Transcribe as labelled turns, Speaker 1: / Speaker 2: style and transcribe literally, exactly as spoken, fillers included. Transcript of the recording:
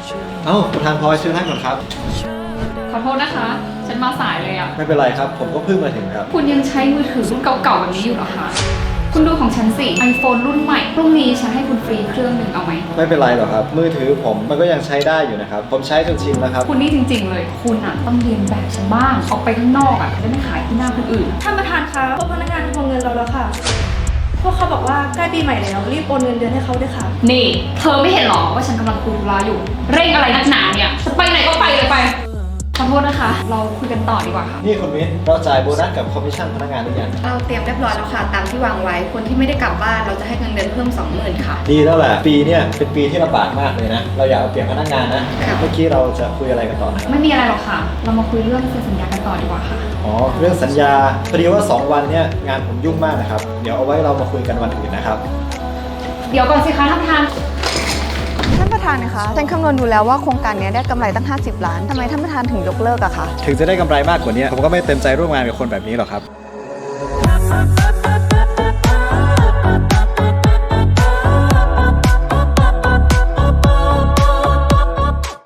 Speaker 1: เอ้าประธานพลอยเชิญนั่งก่อนครับ
Speaker 2: ขอโทษนะคะ ฉันมาสายเลยอ่ะ
Speaker 1: ไม่เป็นไรครับผมก็เพิ่งมาถึงครับ
Speaker 2: คุณยังใช้มือถือรุ่นเก่าๆแบบนี้อยู่เหรอคะ คุณดูของฉันสิ iPhone รุ่นใหม่ พรุ่งนี้ฉันให้คุณฟรีเครื่องหนึ่งเอาไหม
Speaker 1: ไม่เป็นไรหรอกครับมือถือผมมันก็ยังใช้ได้อยู่นะครับผมใช้จนชินแล้วครับ
Speaker 2: คุณนี่จริงๆเลย คุณอ่ะต้องเรียนแบบฉันบ้าง ออกไปข้างนอกอ่ะจะไม่ขายที่หน้าคนอื่น
Speaker 3: ท่านประธานคะพวกพนักงานทวงเงินเราแล้วค่ะ พวกเขาบอกว่าใกล้ปีใหม่แล้วรีบโอนเงินเดือนให้เขาด้วยค่ะ
Speaker 2: นี่ เธอไม่เห็นหรอว่าฉันกำลังคุยธุระอยู่ เร่งอะไรนักหนาเนี่ยจะไปไหนก็ไปเลยไป ขอโทษนะคะ เราคุยกันต่อดีกว่าค่ะ
Speaker 1: นี่คุณมิ้นเราจ่ายโบนัสกับคอมมิชชั่นพนักงานหรือยัง
Speaker 4: เราเตรียมเรียบร้อยแล้วค่ะตามที่วางไว้คนที่ไม่ได้กลับบ้านเราจะให้เงินเดือนเพิ่ม สองหมื่น ค่ะ
Speaker 1: ดีแล้วแหละปีเนี่ยเป็นปีที่ลำบากมากเลยนะเราอยากเอาเปรียบพนักงานนะ
Speaker 4: ค่ะ
Speaker 1: เมื่อกี้เราจะคุยอะไรกันต่อนะครับ
Speaker 2: ไม่มีอะไรหรอกค่ะ เรามาคุยเรื่องเซ็นสัญญากันต่อดีกว่าค่ะ
Speaker 1: อ๋อเรื่องสัญญาพอดีว่าสองวันเนี่ยงานผมยุ่งมากนะครับเดี๋ยวเอาไว้เรามาคุยกันวันอื่นนะครับ
Speaker 2: เดี๋ยวก่อนสิคะท่านประธาน
Speaker 5: ท่านประธานนะคะฉันคำนวณดูแล้วว่าโครงการนี้ได้กำไรตั้งห้าสิบล้านทำไมท่านประธานถึงยกเลิกอะคะ
Speaker 1: ถึงจะได้กำไรมากกว่านี้ผมก็ไม่เต็มใจร่วมงานกับคนแบบนี้หรอกครับ